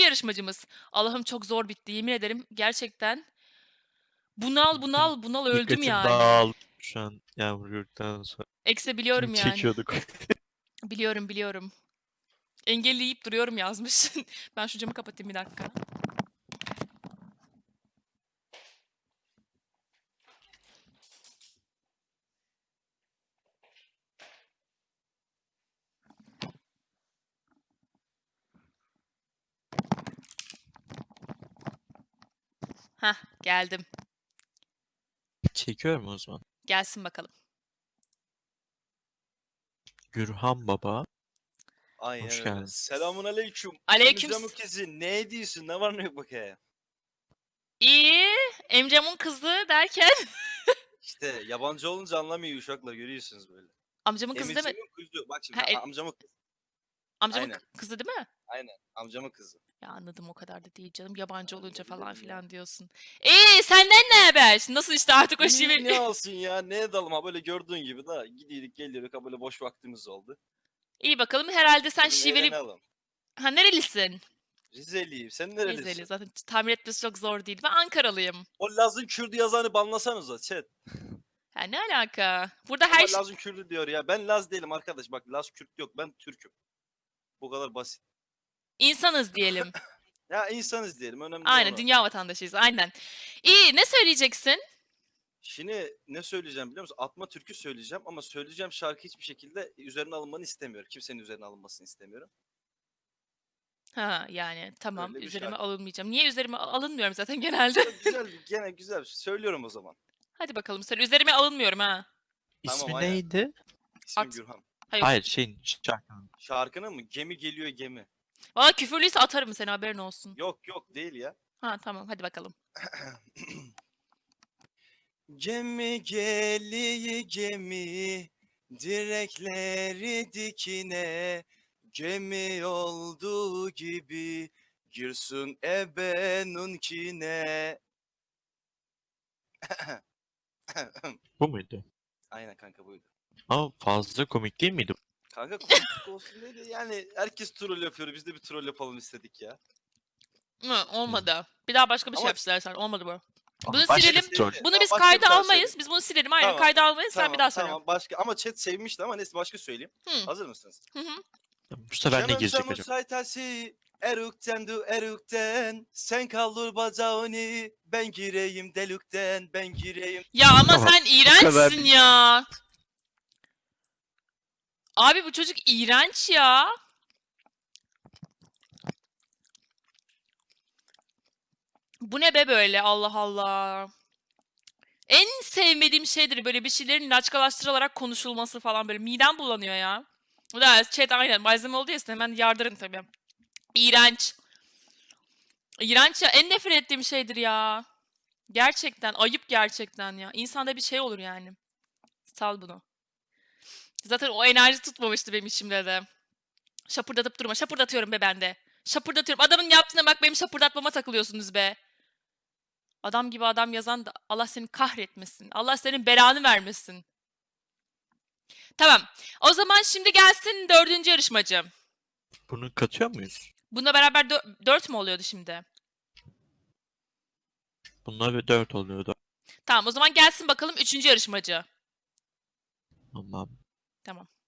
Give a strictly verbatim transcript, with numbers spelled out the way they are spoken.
yarışmacımız. Allah'ım çok zor bitti yemin ederim gerçekten. Bunal bunal bunal öldüm Dikkatim yani. dağıldı şu an Yağmur yorduktan sonra. Ekse Film biliyorum yani. çekiyorduk. Biliyorum biliyorum. Engelleyip duruyorum yazmış. Ben şu camı kapatayım bir dakika. Hah geldim. Çekiyor mu o zaman? Gelsin bakalım. Gürhan Baba. Aynen Hoş öyle. geldin. Selamun aleyküm. Aleyküm Emre'min kızı ne diyorsun? Ne var ne yok bakaya? İyi. Emcam'ın kızı derken İşte yabancı olunca anlamıyor uşaklar görüyorsunuz böyle. amcamın kızı değil mi? Emre'min kızı. Bak şimdi Ha, e- a- amcamın kızı. Amcamın Aynen. kı- kızı değil mi? Aynen. Amcamın kızı. Ya anladım o kadar da değil canım. Yabancı Ben olunca ne falan bileyim ya. filan diyorsun. Eee senden ne haber? Nasıl işte artık o İyi şive... ne olsun ya ne edelim ha böyle gördüğün gibi da gidiyorduk geliyorduk ha böyle boş vaktimiz oldu. İyi bakalım herhalde sen Dedim şiveli... eğlenelim. Ha nerelisin? Rizeliyim. Sen Rizeli nerelisin? zaten tahmin etmesi çok zor değil. Ben Ankaralıyım. O Laz'ın Kürdü yazanı banlasanıza chat. Ha ne alaka? Burada Ama her şey... Laz'ın Kürdü diyor ya. Ben Laz değilim arkadaş. Bak Laz Kürt yok. Ben Türk'üm. Bu kadar basit. insanız diyelim. Ya insanız diyelim. Önemli Aynen olan o. dünya vatandaşıyız aynen. İyi ne söyleyeceksin? Şimdi ne söyleyeceğim biliyor musun? Atma türkü söyleyeceğim ama söyleyeceğim şarkı hiçbir şekilde üzerine alınmanı istemiyorum. Kimsenin üzerine alınmasını istemiyorum. Ha yani tamam Öyle bir üzerime şarkı. alınmayacağım. Niye üzerime alınmıyorum zaten genelde? Çok güzel bir, gene güzel bir şey. Söylüyorum o zaman. Hadi bakalım söyle. Üzerime alınmıyorum ha. İsmi Tamam, aynen. neydi? İsmim At. Gürhan. Hayır. Hayır şeyin şarkının. Şarkının mı? Gemi geliyor gemi. Valla küfürlüyse atarım seni haberin olsun. Yok yok değil ya. Ha tamam hadi bakalım. Gemi geliyor gemi. Direkleri dikine. Gemi olduğu gibi. Girsin ebenunkine. Bu muydu? Aynen kanka buydu. Ama fazla komik değil miydi? Kanka komik olsun dedi. Yani herkes troll yapıyor. Biz de bir troll yapalım istedik ya. Hı, olmadı. Bir daha başka bir şey Ama- yap istersen. Olmadı bu. Ama Bunu başka silelim. bir troll. Bunu Tamam, biz başka bir kayda tane almayız. söyleyeyim. Biz bunu silelim. Aynen Tamam, kayda almayız. Sen Tamam bir daha söyle. tamam başka ama chat sevmişti ama neyse başka söyleyeyim. Hı. Hazır mısınız? Hı hı. Bu sefer ne Şemem girecek sen acaba? saytasi erukten du erukten sen kaldır bacağını ben gireyim delükten ben gireyim. Ya ama Tamam, sen kadar iğrençsin değil. ya. Abi bu çocuk iğrenç ya. Bu ne be böyle Allah Allah. En sevmediğim şeydir böyle bir şeylerin laçkalaştırılarak konuşulması falan böyle. Midem bulanıyor ya. Bu da chat aynen malzeme oldu ya size hemen yardırın tabii. İğrenç. İğrenç ya en nefret ettiğim şeydir ya. Gerçekten ayıp gerçekten ya. İnsanda bir şey olur yani. Sal bunu. Zaten o enerji tutmamıştı benim içimde de. Şapırdatıp durma. Şapırdatıyorum be ben de. Şapırdatıyorum. Adamın yaptığına bak benim şapırdatmama takılıyorsunuz be. Adam gibi adam yazan da Allah seni kahretmesin. Allah senin belanı vermesin. Tamam. O zaman şimdi gelsin dördüncü yarışmacı. Bunu katıyor muyuz? Bununla beraber dö- dört mü oluyordu şimdi? Bunlar bir dört oluyordu. Tamam o zaman gelsin bakalım üçüncü yarışmacı. Tamam. Tamam.